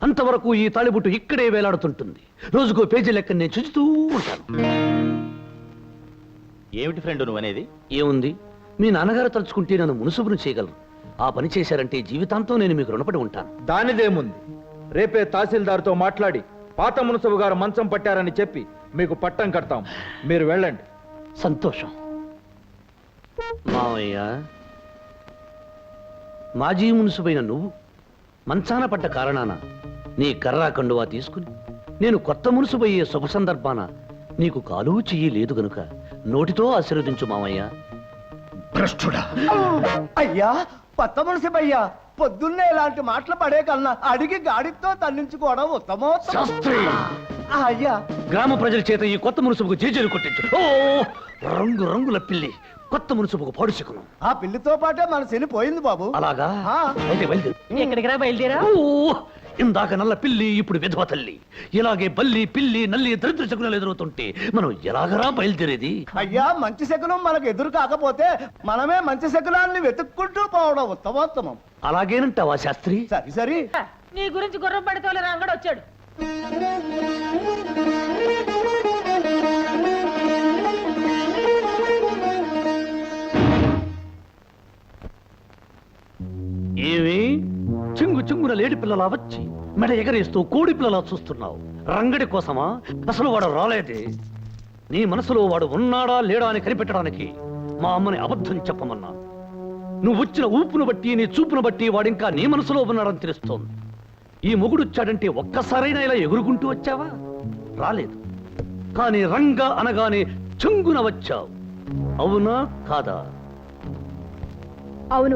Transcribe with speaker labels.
Speaker 1: అంతవరకు ఈ తాళిబుట్టు ఇక్కడే వేలాడుతుంటుంది. రోజుకో పేజీ లెక్క నేను చూస్తూ ఉంటాను.
Speaker 2: ఏమిటి ఫ్రెండ్ నువ్వనేది?
Speaker 1: ఏముంది, మీ నాన్నగారు తలుచుకుంటే నన్ను మునుసుబును చేయగలరు. ఆ పని చేశారంటే జీవితాంతం నేను మీకు రుణపడి ఉంటాను.
Speaker 3: దానిదేముంది, రేపే తహసీల్దార్తో మాట్లాడి పాత మున్సబు గారు మంచం పట్టారని చెప్పి మీకు పట్టం కడతాం. మీరు వెళ్ళండి.
Speaker 1: సంతోషం. మావయ్య, మాజీ మున్సుబైన నువ్వు మంచాన పడ్డ కారణాన నీ కర్రా కండువా తీసుకుని నేను కొత్త మున్సుబయ్యే శుభ సందర్భాన నీకు కాలు చెయ్యి లేదు గనుక నోటితో ఆశీర్వదించు మావయ్య. భ్రష్టుడా!
Speaker 4: అయ్యా, కొత్త మున్సిపయ్యా, పొద్దున్నే ఇలాంటి మాటలు పడే కన్నా అడిగి గాడితో తన్నించుకోవడం ఉత్తమోత్తమం.
Speaker 1: శాస్త్రి!
Speaker 4: అయ్యా,
Speaker 1: గ్రామ ప్రజల చేత ఈ కొత్త మున్సుబుకు జేజేలు కొట్టించు. ఓ రంగు రంగుల పిల్లి కొత్త మున్సుబుకు పాడుచుకును.
Speaker 4: ఆ పిల్లితో పాటే మన శని పోయింది బాబు.
Speaker 1: అలాగా?
Speaker 4: ఆ.
Speaker 1: అయితే బయలుదేరు.
Speaker 5: ఎక్కడికి రా బయలుదేరా?
Speaker 1: ఓ, ఇందాక నల్ల పిల్లి, ఇప్పుడు విధవ తల్లి. ఇలాగే బల్లి, పిల్లి, నల్లి దరిద్ర శకునాలు ఎదురవుతుంటే మనం ఎలాగరా బయలుదేరేది?
Speaker 4: అయ్యా, మంచి శకునం మనకు ఎదురు కాకపోతే మనమే మంచి శకునాన్ని వెతుక్కుంటూ పోవడం ఉత్తమోత్తమం.
Speaker 1: అలాగేనంటావా శాస్త్రి?
Speaker 4: సరి సరి.
Speaker 5: నీ గురించి గుర్రం పడితే రంగడు వచ్చాడు.
Speaker 1: ఏమి చింగు చింగున లేడి పిల్లలా వచ్చి మెడ ఎగరేస్తూ కోడి పిల్లలా చూస్తున్నావు? రంగడి కోసమా? అసలు వాడు రాలేదే. నీ మనసులో వాడు ఉన్నాడా లేడా అని కనిపెట్టడానికి మా అమ్మని అబద్ధం చెప్పమన్నాను. నువ్వు వచ్చిన ఊపును బట్టి, నీ చూపును బట్టి వాడింకా నీ మనసులో ఉన్నాడని తెలుస్తోంది. ఈ మొగుడొచ్చాడంటే ఒక్కసారైనా ఇలా ఎగురుకుంటూ వచ్చావా? రాలేదు. కానీ రంగ అనగానే చింగున వచ్చావు. అవునా కాదా?
Speaker 5: అవును.